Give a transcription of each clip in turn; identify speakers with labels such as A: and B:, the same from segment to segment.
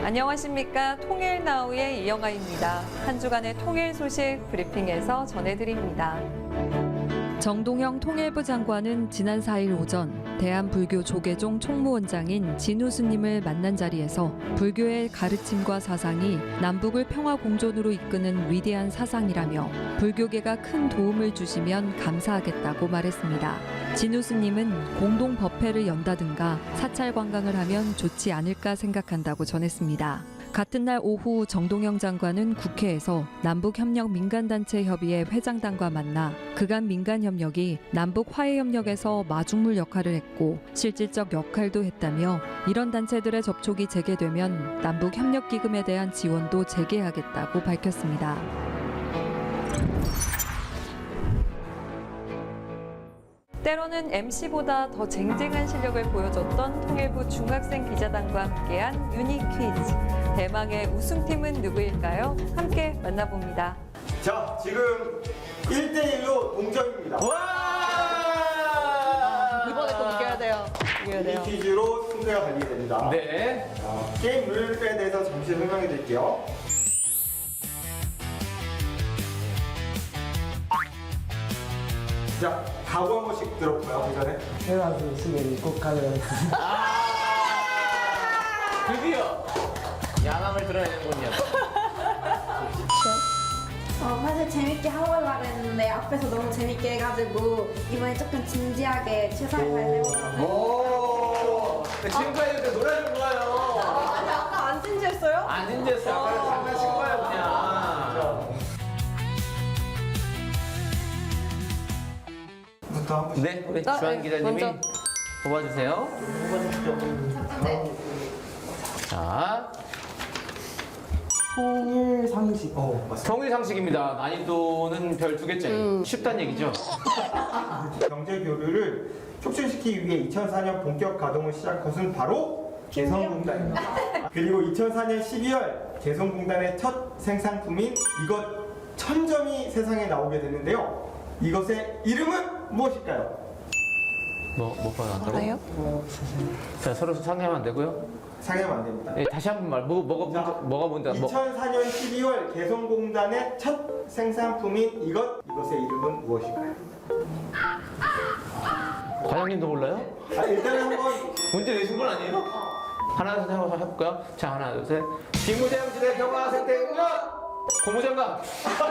A: 안녕하십니까. 통일나우의 이영아입니다. 한 주간의 통일 소식 브리핑에서 전해드립니다. 정동영 통일부 장관은 지난 4일 오전 대한불교 조계종 총무원장인 진우 스님을 만난 자리에서 불교의 가르침과 사상이 남북을 평화 공존으로 이끄는 위대한 사상이라며 불교계가 큰 도움을 주시면 감사하겠다고 말했습니다. 진우 스님은 공동 법회를 연다든가 사찰 관광을 하면 좋지 않을까 생각한다고 전했습니다. 같은 날 오후 정동영 장관은 국회에서 남북협력민간단체협의회 회장단과 만나 그간 민간협력이 남북화해협력에서 마중물 역할을 했고 실질적 역할도 했다며 이런 단체들의 접촉이 재개되면 남북협력기금에 대한 지원도 재개하겠다고 밝혔습니다. 때로는 MC보다 더 쟁쟁한 실력을 보여줬던 통일부 중학생 기자단과 함께한 유니 퀴즈. 대망의 우승팀은 누구일까요? 함께 만나봅니다.
B: 자, 지금 1대1로 동점입니다.
A: 이번에 꼭 이겨야 돼요. 이겨야 돼요.
B: 이 퀴즈로 승패가 갈리게 됩니다.
C: 네.
B: 게임 룰에 대해서 잠시 설명해 드릴게요. 자, 각오 한 번씩 들어볼까요, 그 전에?
D: 태어나서 시계를 꼭 가져야
C: 드디어 야망을 드러내는군요.
E: 사실 재밌게 하려고 했는데 앞에서 너무 재밌게 해가지고 이번에 조금 진지하게 최선을 다해보려고.
C: 오. 지금까지 노래 좀 좋아요.
E: 아니 아까 안 진지했어요?
C: 안 진지했어. 아까 장난친 거야 그냥.
B: 부터 한 번씩.
C: 네, 우리 주한 기자님이
A: 먼저.
C: 뽑아주세요. 자,
D: 통일 상식.
B: 맞습니다.
C: 통일 상식입니다. 난이도는 별 2개째. 쉽단 얘기죠.
B: 경제 교류를 촉진시키기 위해 2004년 본격 가동을 시작한 것은 바로 개성공단입니다. 그리고 2004년 12월 개성공단의 첫 생산품인 이것 천점이 세상에 나오게 됐는데요. 이것의 이름은 무엇일까요?
C: 뭐 받았다고?
A: 알아요?
C: 자, 서로 상의하면 안 되고요.
B: 상하면 안 됩니다.
C: 네, 다시 한 번 말. 뭐가 먼저?
B: 2004년 12월 개성공단의 첫 생산품인 이것의 이름은 무엇일까요?
C: 과장님도 몰라요?
B: 일단 한번
C: 문제 내신 건 아니에요? 하나, 둘, 셋 한번 해볼까요? 자, 하나, 둘, 셋. 비무장지대 경화생태공원 고무장갑.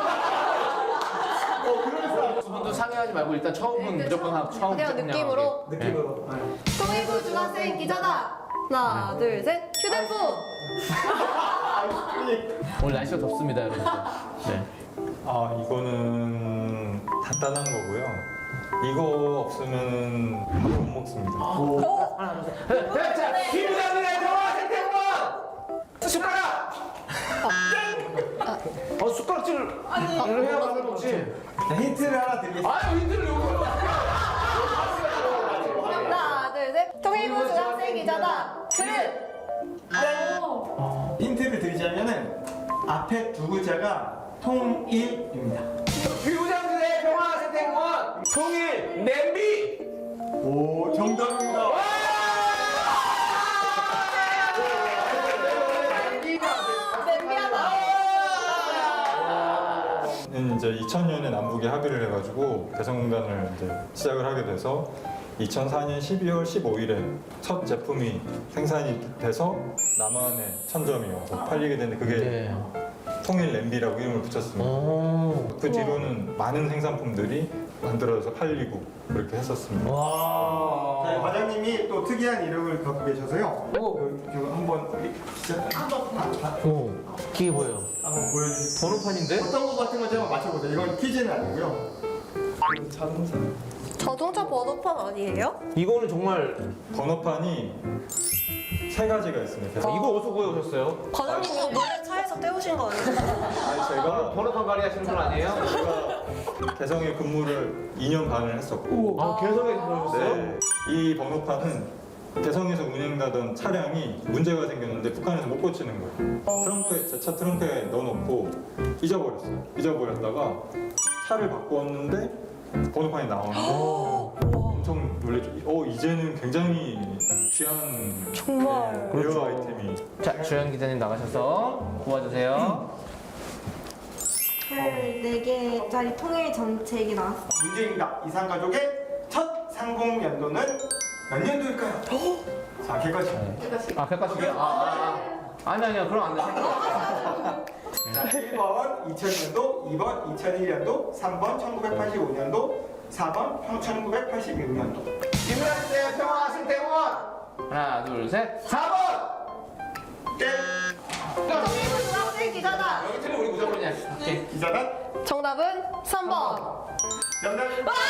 C: 두 분도 상의하지 말고 일단 처음은 무조건 하고 처음
E: 그냥 느낌으로?
B: 느낌으로.
E: 통일부 중학생 기자다. 하나 둘 셋 휴대폰.
C: 오늘 날씨가 덥습니다, 여러분. 네.
F: 이거는 간단한 거고요. 이거 없으면 밥 못 먹습니다.
C: 자, 비무장지대 경화생태공원 숟가락. 숟가락질을 해야 밥을 먹지.
B: 힌트를 하나 드리겠습니다.
C: 아유, 힌트를 요구해요.
E: 하나 둘 셋 통일부 중학생 기자다. 그릇.
B: 힌트를 드리자면은 앞에 두 글자가 통일입니다.
C: 비무장지대 평화생태공원 통일 냄비.
B: 오, 정답입니다.
F: 이제 2000년에 남북이 합의를 해가지고 개성공단을 이제 시작을 하게 돼서 2004년 12월 15일에 첫 제품이 생산이 돼서 남한에 천점이 와서 팔리게 됐는데 그게 통일 냄비라고 이름을 붙였습니다. 그 뒤로는 많은 생산품들이 만들어져서 팔리고 그렇게 했었습니다.
B: 자, 과장님이 또 특이한 이름을 갖고 계셔서요. 이거 한번
C: 이게 뭐예요?
B: 한번 보여주세요.
C: 번호판인데?
B: 어떤 것 같은 건지 한번 맞춰보세요. 이건 퀴즈는 아니고요. 자동차.
E: 자동차 번호판 아니에요?
C: 이거는 정말
F: 번호판이 세 가지가 있습니다. 그래서
C: 이거 어디서 구해오셨어요?
E: 과장님 이거 몰래 차에서 떼우신 거 아니에요?
F: 제가
C: 번호판 관리 하시는 분 아니에요?
F: 제가 개성에 근무를 2년 반을 했었고
C: 개성에 들어오셨어요?
F: 이 번호판은 개성에서 운행하던 차량이 문제가 생겼는데 북한에서 못 고치는 거예요. 트렁크에, 제 차 트렁크에 넣어놓고 잊어버렸어요. 잊어버렸다가 차를 바꿨는데 번호판이 나오는데 엄청 놀랬죠. 이제는 굉장히 귀한
E: 정말.
F: 레어 아이템이.
C: 자, 주연 기자님 나가셔서 도와주세요.
E: 4개짜리 통일 정책이 나왔어.
B: 문제입니다. 이상가족의 첫 상봉 연도는 몇 년도일까요? 자, 객관식.
C: 아, 객관식이요? 아니요. 그럼 안 돼.
B: 자, 1번 2000년도, 2번 2001년도, 3번 1985년도, 4번 1986년도.
C: 김우현 평화 생태공원. 하나, 둘, 셋. 4번.
B: 땡!
E: 중학생 기자다.
C: 여기 틀리면 우리 무조건이야. 오케이.
B: 기자단
E: 정답은 3번.
B: 정답.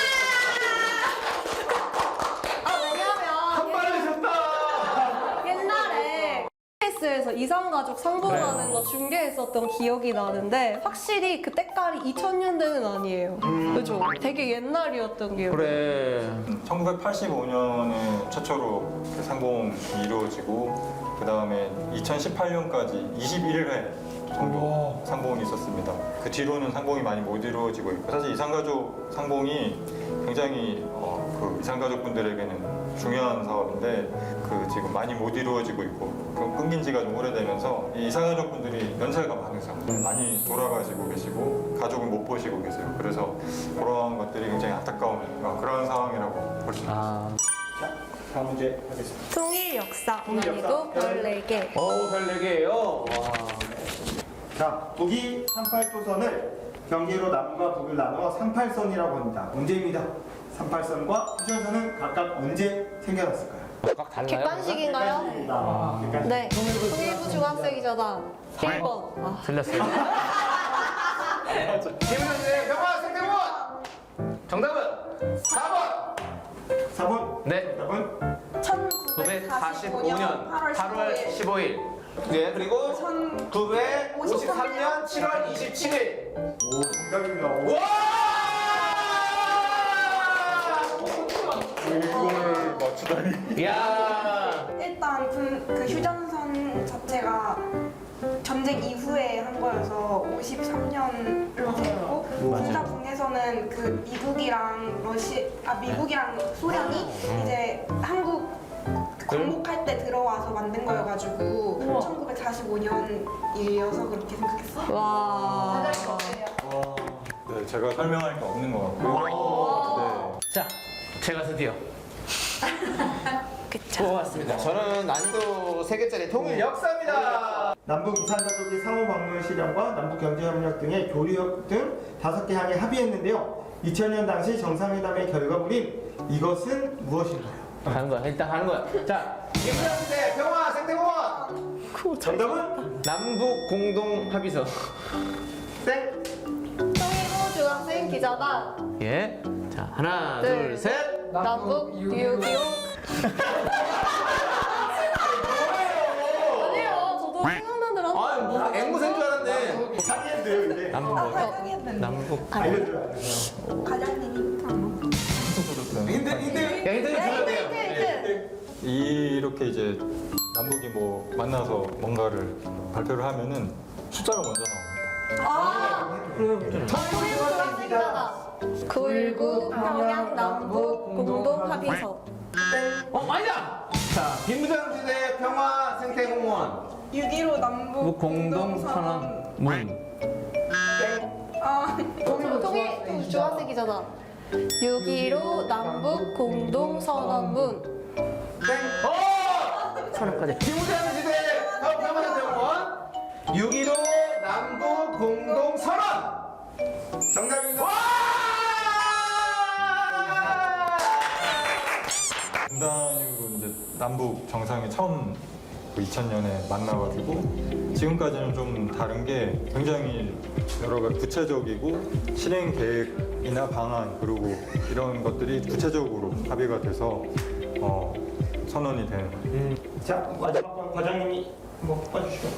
C: 한 발을 줬다.
G: 옛날에 KBS에서 이상가족 상봉하는 거 중계했었던 기억이 나는데 확실히 그 때깔이 2000년대는 아니에요. 그죠? 되게 옛날이었던 기억.
C: 그래.
F: 1985년에 최초로 그 상봉이 이루어지고 그 다음에 2018년까지 21회 정도 상봉이 있었습니다. 그 뒤로는 상봉이 많이 못 이루어지고 있고 사실 이상가족 상봉이 굉장히 그 이상가족 분들에게는 중요한 사업인데 그 지금 많이 못 이루어지고 있고 그 끊긴 지가 좀 오래되면서 이 이상가족 분들이 연세가 많으세요. 많이 돌아가시고 계시고 가족을 못 보시고 계세요. 그래서 그러한 것들이 굉장히 안타까운 그런 상황이라고 볼 수 있습니다.
B: 자, 다음 문제 하겠습니다.
G: 통일 역사
B: 통일 역사.
G: 난이도 별 4개.
C: 별 4개예요. 와.
B: 자, 북이 38도선을 경계로 남과 북을 나누어 38선이라고 합니다. 문제입니다. 38선과 휴전선은 각각 언제 생겨났을까요?
C: 각 달라요?
G: 객관식인가요?
B: 객관식.
G: 네. 통일부 중학생이잖아. 1번.
C: 틀렸어요. 김우현 평화 생태공원. 정답은 4번.
B: 4번.
C: 네.
B: 정답은
C: 945년 8월 15일. 네, 그리고 1953년 7월 27일.
B: 오, 정답입니다.
C: 와!
B: 이걸 맞추다니.
C: 이야.
E: 일단 그 휴전선 자체가 전쟁 이후에 한 거여서 53년으로 됐고 국가 분에서는 그 미국이랑 소련이 이제 한국 광복할 때 들어와서 만든 거여가지고 1945년이어서 그렇게 생각했어.
G: 와.
F: 네, 제가 설명할 게 없는 것 같고요.
C: 자, 제가 드디어 뽑았습니다. 저는 난이도 3개짜리 통일 역사입니다.
B: 남북 이산가족의 상호 방문 실현과 남북 경제협력 등의 교류 등 5개 항에 합의했는데요. 2000년 당시 정상회담의 결과물인 이것은 무엇인가요?
C: 가는 거야. 일단 가는 거야. 자, 김우현 평화 생태공원.
B: 정답은
C: 남북 공동 합의서.
B: 땡.
G: 통일부 중학생 기자다.
C: 예. 자, 하나,
G: 네.
C: 둘, 셋.
G: 남북 6.25. 아니에요. 저도 생각나더라.
C: 아, 뭐 앵무새인 줄 알았네.
B: 상의했는데요, 근데.
C: 남북 남북.
B: 알려줘요.
E: 과장님이
B: 힌트.
C: 야, 힌트 줘야 돼요.
F: 이렇게 이제 남북이 뭐 만나서 뭔가를 발표를 하면은 숫자가 먼저 나옵니다.
G: 통일부 중학생 기자다. 9.19 평양 남북 공동 합의서.
C: 아니다. 자, 김부장지대 평화 생태공원
E: 6.15 남북
C: 공동 선언문.
G: 통일부 중학생 기자다. 6.15 남북 공동 선언문.
C: 선언까지. 김부장지대 평화 생태공원 6.15 남북 공동 선언.
B: 정답입니다.
F: 분단이후로 이제 남북 정상이 처음 2000년에 만나가지고 지금까지는 좀 다른 게 굉장히 여러 가지 구체적이고 실행 계획이나 방안 그리고 이런 것들이 구체적으로 합의가 돼서 선언이 된.
B: 자, 마지막 번 과장님이 한번 뽑아주시면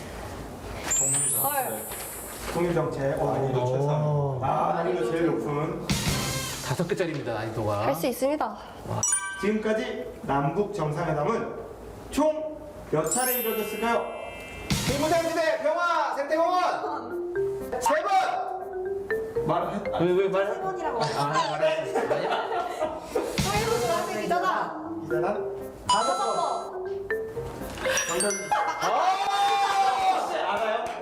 B: 감사합니다. 통일정책.
F: 난이도 최상.
B: 난이도 제일 높은.
C: 5개짜리입니다, 난이도가.
G: 할 수 있습니다.
B: 지금까지 남북 정상회담은 총 몇 차례 이루어졌을까요?
C: 김부장지대 평화 생태공원 3번. 왜 말해?
E: 3번이라고
C: 말해.
G: 통일부 중학생 기자다.
B: 이제는 5번. 정답입니다.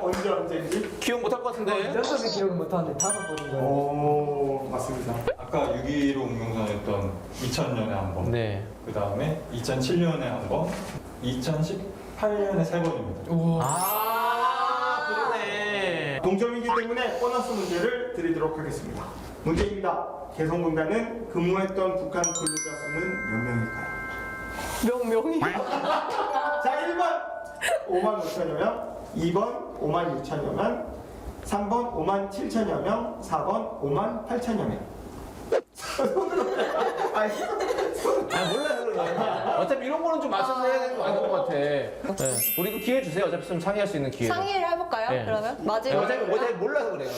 B: 언제인지?
C: 기억 못할 것 같은데.
D: 연습은 기억은 못하는데 5번인 거예요.
B: 오, 맞습니다.
F: 아까 6.15 운동선했던 2000년에 한 번,
C: 네.
F: 그 다음에 2007년에 한 번, 2018년에 3번입니다.
C: 아, 그러네.
B: 동점이기 때문에 보너스 문제를 드리도록 하겠습니다. 문제입니다. 개성공단은 근무했던 북한 근로자 수는 몇 명일까요?
G: 명명이.
B: 자, 1번 5만 5천여 명, 2번 5만 6천여 명, 3번 5만 7천여 명, 4번 5만 8천여 명. 손으로 아니,
C: 아, 몰라서 그런 거야. 어차피 이런 거는 좀 맞춰서 해야 되는 거 아닌 것 같아. 네. 우리 그 기회 주세요. 어차피 좀 상의할 수 있는 기회.
G: 상의를 해볼까요?
C: 네.
G: 그러면
C: 네,
G: 마지막.
C: 어차피 몰라서 그래요.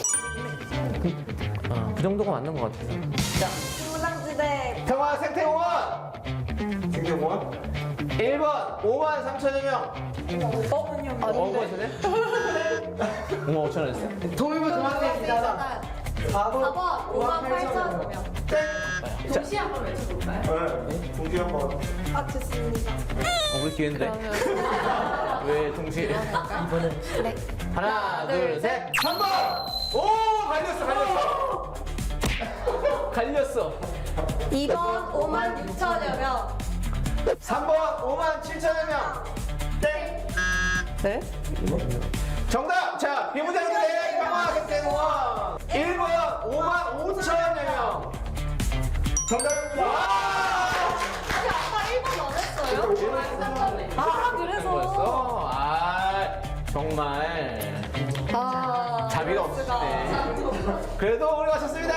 C: 그 정도가 맞는 것 같아서. 자,
E: 무당지대
C: 평화 생태공원
B: 생경원
C: 1번 5만 3천여 명.
G: 아닌데.
C: 거시네? 5만 5천 원 했어요?
D: 동일부 중학생이잖아. 4번
E: 5만 8천 명.
B: 동시 한번 외쳐볼까요? 네, 동시 한번.
E: 아 좋습니다.
C: 우리 기회인데. 왜 동시에?
E: 네.
C: 하나, 둘, 셋. 3번! 오! 갈렸어. 갈렸어.
E: 2번 5만 6천여 명.
C: 3번 5만 7천여 명. 땡.
G: 네?
C: 정답! 자, 비무장지대 평화생태공원 1번 5만 5천여 명.
B: 정답입니다.
C: 와!
E: 아니 아까 1번 안 했어요?
G: 아, 그래서.
C: 뭐였어? 아, 정말
G: 아.
C: 자비가 없으시네. 그래도 우리 맞췄습니다.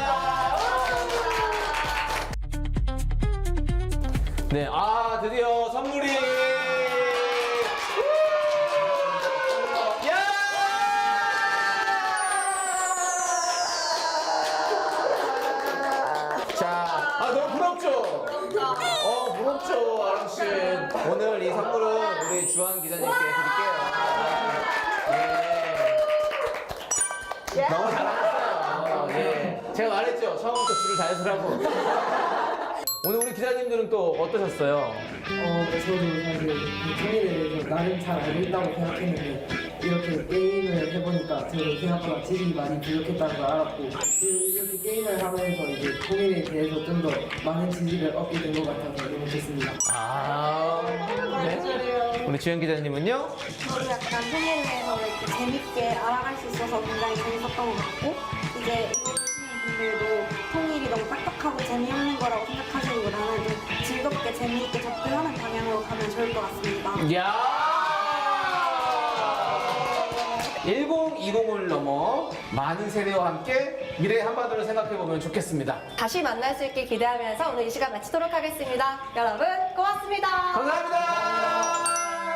C: 네, 아 드디어 선물이. 야! 자, 아 너무 부럽죠? 부럽죠, 아랑 씨. 오늘 이 선물은 우리 주한 기자님께 드릴게요. 예. 너무 잘하셨어요. 예. 제가 말했죠. 처음부터 줄을 잘 서라고. 오늘 우리 기자님들은 또 어떠셨어요?
D: 저도 사실 이 통일에 대해서 나름 잘 알고 있다고 생각했는데 이렇게 게임을 해보니까 저도 생각보다 지식이 많이 부족했다는 걸 알았고 이렇게 게임을 하면서 이제 통일에 대해서 좀 더 많은 지식을 얻게 된 것 같아서 너무 좋습니다.
C: 아, 네. 우리 주현 기자님은요?
E: 저도 약간 통일에 대해서 이렇게 재밌게 알아갈 수 있어서 굉장히 재밌었던 것 같고 이제 이거 보시는 분들도 통일이 너무 딱딱하고 재미없는 거라고 생각하시기보다는 좀 즐겁게 재미있게 접근하는 방향으로 가면 좋을 것 같습니다.
C: 야 1020을 넘어 많은 세대와 함께 미래의 한반도를 생각해보면 좋겠습니다.
G: 다시 만날 수 있길 기대하면서 오늘 이 시간 마치도록 하겠습니다. 여러분, 고맙습니다.
C: 감사합니다.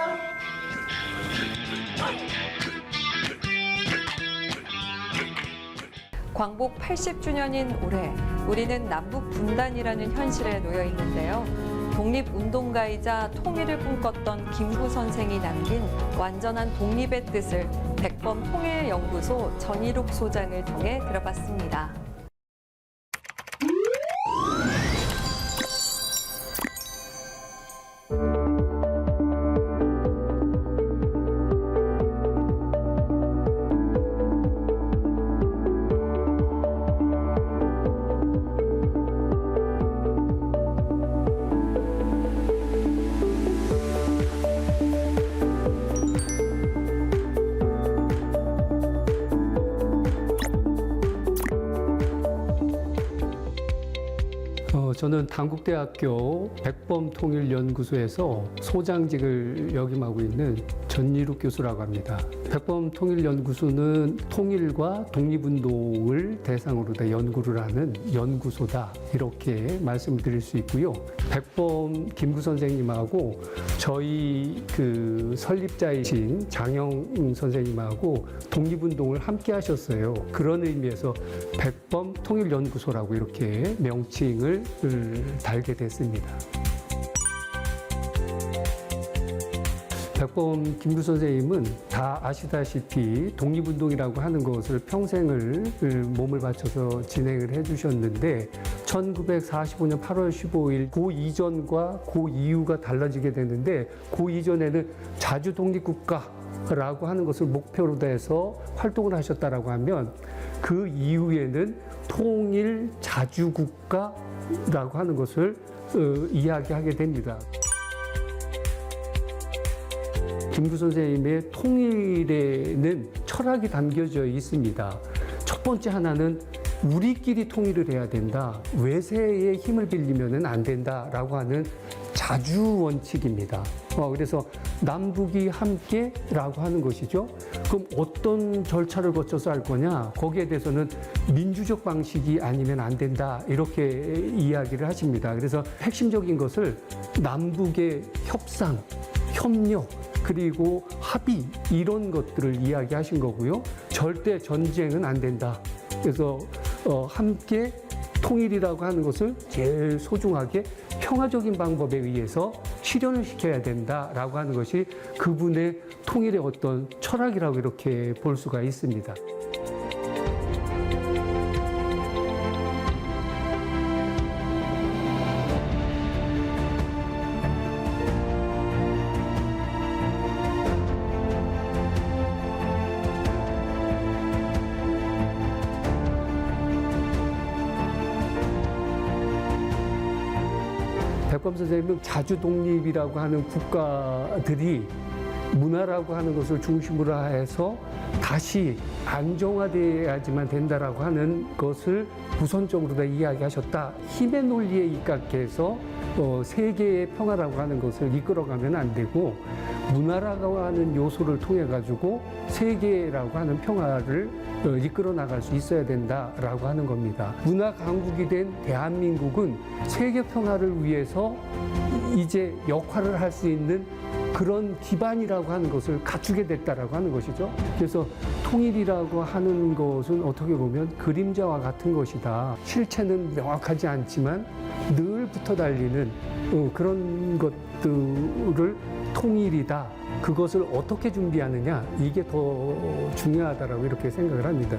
A: 광복 80주년인 올해 우리는 남북 분단이라는 현실에 놓여 있는데요. 독립운동가이자 통일을 꿈꿨던 김구 선생이 남긴 완전한 독립의 뜻을 백범 통일연구소 전일욱 소장을 통해 들어봤습니다.
H: 저는 단국대학교 백범통일연구소에서 소장직을 역임하고 있는 전일욱 교수라고 합니다. 백범통일연구소는 통일과 독립운동을 대상으로 다 연구를 하는 연구소다 이렇게 말씀을 드릴 수 있고요. 백범 김구 선생님하고 저희 그 설립자이신 장영 선생님하고 독립운동을 함께 하셨어요. 그런 의미에서 백범 통일연구소라고 이렇게 명칭을 달게 됐습니다. 백범 김구 선생님은 다 아시다시피 독립운동이라고 하는 것을 평생을 몸을 바쳐서 진행을 해주셨는데 1945년 8월 15일 그 이전과 그 이후가 달라지게 됐는데 그 이전에는 자주 독립국가 라고 하는 것을 목표로 해서 활동을 하셨다라고 하면 그 이후에는 통일 자주국가라고 하는 것을 이야기하게 됩니다. 김구 선생님의 통일에는 철학이 담겨져 있습니다. 첫 번째 하나는 우리끼리 통일을 해야 된다. 외세의 힘을 빌리면 안 된다라고 하는 자주 원칙입니다. 그래서 남북이 함께라고 하는 것이죠. 그럼 어떤 절차를 거쳐서 할 거냐? 거기에 대해서는 민주적 방식이 아니면 안 된다. 이렇게 이야기를 하십니다. 그래서 핵심적인 것을 남북의 협상, 협력, 그리고 합의 이런 것들을 이야기하신 거고요. 절대 전쟁은 안 된다. 그래서 함께 통일이라고 하는 것을 제일 소중하게 평화적인 방법에 의해서 실현을 시켜야 된다라고 하는 것이 그분의 통일의 어떤 철학이라고 이렇게 볼 수가 있습니다. 백범 선생님은 자주 독립이라고 하는 국가들이 문화라고 하는 것을 중심으로 해서 다시 안정화되어야지만 된다라고 하는 것을 우선적으로 다 이야기하셨다. 힘의 논리에 입각해서 세계의 평화라고 하는 것을 이끌어가면 안 되고 문화라고 하는 요소를 통해 가지고 세계라고 하는 평화를 이끌어 나갈 수 있어야 된다라고 하는 겁니다. 문화 강국이 된 대한민국은 세계 평화를 위해서 이제 역할을 할 수 있는 그런 기반이라고 하는 것을 갖추게 됐다라고 하는 것이죠. 그래서 통일이라고 하는 것은 어떻게 보면 그림자와 같은 것이다. 실체는 명확하지 않지만 늘 붙어 달리는 그런 것들을 통일이다. 그것을 어떻게 준비하느냐 이게 더 중요하다라고 이렇게 생각을 합니다.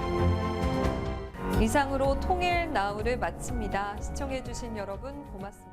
A: 이상으로 통일 나우를 마칩니다. 시청해주신 여러분 고맙습니다.